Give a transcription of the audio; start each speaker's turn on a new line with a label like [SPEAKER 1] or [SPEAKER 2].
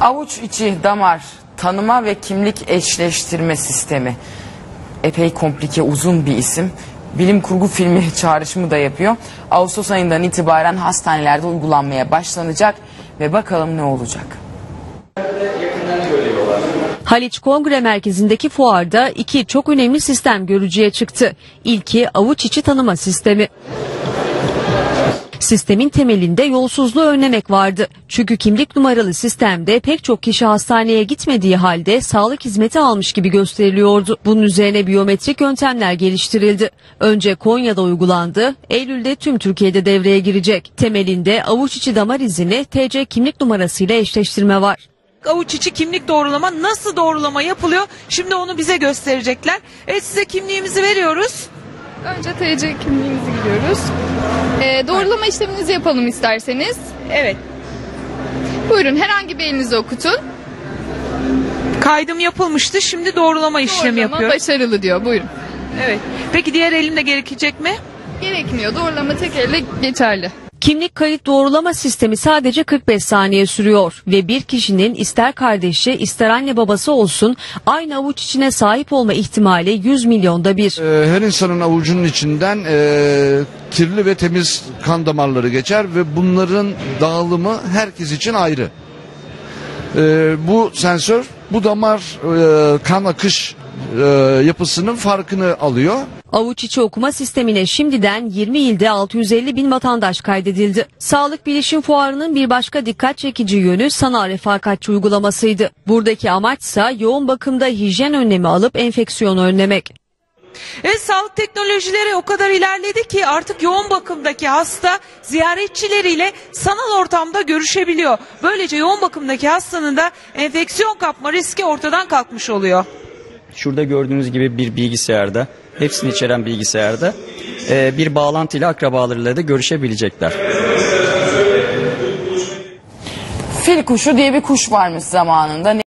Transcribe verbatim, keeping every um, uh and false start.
[SPEAKER 1] Avuç içi damar tanıma ve kimlik eşleştirme sistemi. Epey komplike, uzun bir isim. Bilim kurgu filmi çağrışımı da yapıyor. Ağustos ayından itibaren hastanelerde uygulanmaya başlanacak ve bakalım ne olacak.
[SPEAKER 2] Haliç Kongre Merkezi'ndeki fuarda iki çok önemli sistem görücüye çıktı. İlki avuç içi tanıma sistemi. Sistemin temelinde yolsuzluğu önlemek vardı. Çünkü kimlik numaralı sistemde pek çok kişi hastaneye gitmediği halde sağlık hizmeti almış gibi gösteriliyordu. Bunun üzerine biyometrik yöntemler geliştirildi. Önce Konya'da uygulandı, Eylül'de tüm Türkiye'de devreye girecek. Temelinde avuç içi damar izini T C kimlik numarasıyla eşleştirme var.
[SPEAKER 3] Avuç içi kimlik doğrulama nasıl doğrulama yapılıyor? Şimdi onu bize gösterecekler. Evet, size kimliğimizi veriyoruz.
[SPEAKER 4] Önce T C kimliğimizi giriyoruz. Ee, doğrulama işleminizi yapalım isterseniz.
[SPEAKER 3] Evet.
[SPEAKER 4] Buyurun, herhangi bir elinizi okutun.
[SPEAKER 3] Kaydım yapılmıştı. Şimdi doğrulama işlemi
[SPEAKER 4] Doğrulama
[SPEAKER 3] yapıyor.
[SPEAKER 4] başarılı diyor. Buyurun.
[SPEAKER 3] Evet. Peki diğer elimde gerekecek mi?
[SPEAKER 4] Gerekmiyor. Doğrulama tek elle geçerli.
[SPEAKER 2] Kimlik kayıt doğrulama sistemi sadece kırk beş saniye sürüyor ve bir kişinin ister kardeşi ister anne babası olsun aynı avuç içine sahip olma ihtimali yüz milyonda bir.
[SPEAKER 5] Her insanın avucunun içinden e, kirli ve temiz kan damarları geçer ve bunların dağılımı herkes için ayrı. E, bu sensör bu damar e, kan akış e, yapısının farkını alıyor.
[SPEAKER 2] Avuç içi okuma sistemine şimdiden yirmi ilde altı yüz elli bin vatandaş kaydedildi. Sağlık Bilişim Fuarı'nın bir başka dikkat çekici yönü sanal refakatçi uygulamasıydı. Buradaki amaçsa yoğun bakımda hijyen önlemi alıp enfeksiyon önlemek.
[SPEAKER 3] Evet, sağlık teknolojileri o kadar ilerledi ki artık yoğun bakımdaki hasta ziyaretçileriyle sanal ortamda görüşebiliyor. Böylece yoğun bakımdaki hastanın da enfeksiyon kapma riski ortadan kalkmış oluyor.
[SPEAKER 6] Şurada gördüğünüz gibi bir bilgisayarda, hepsini içeren bilgisayarda e, bir bağlantıyla akrabalarıyla da görüşebilecekler.
[SPEAKER 1] Fil kuşu diye bir kuş varmış zamanında.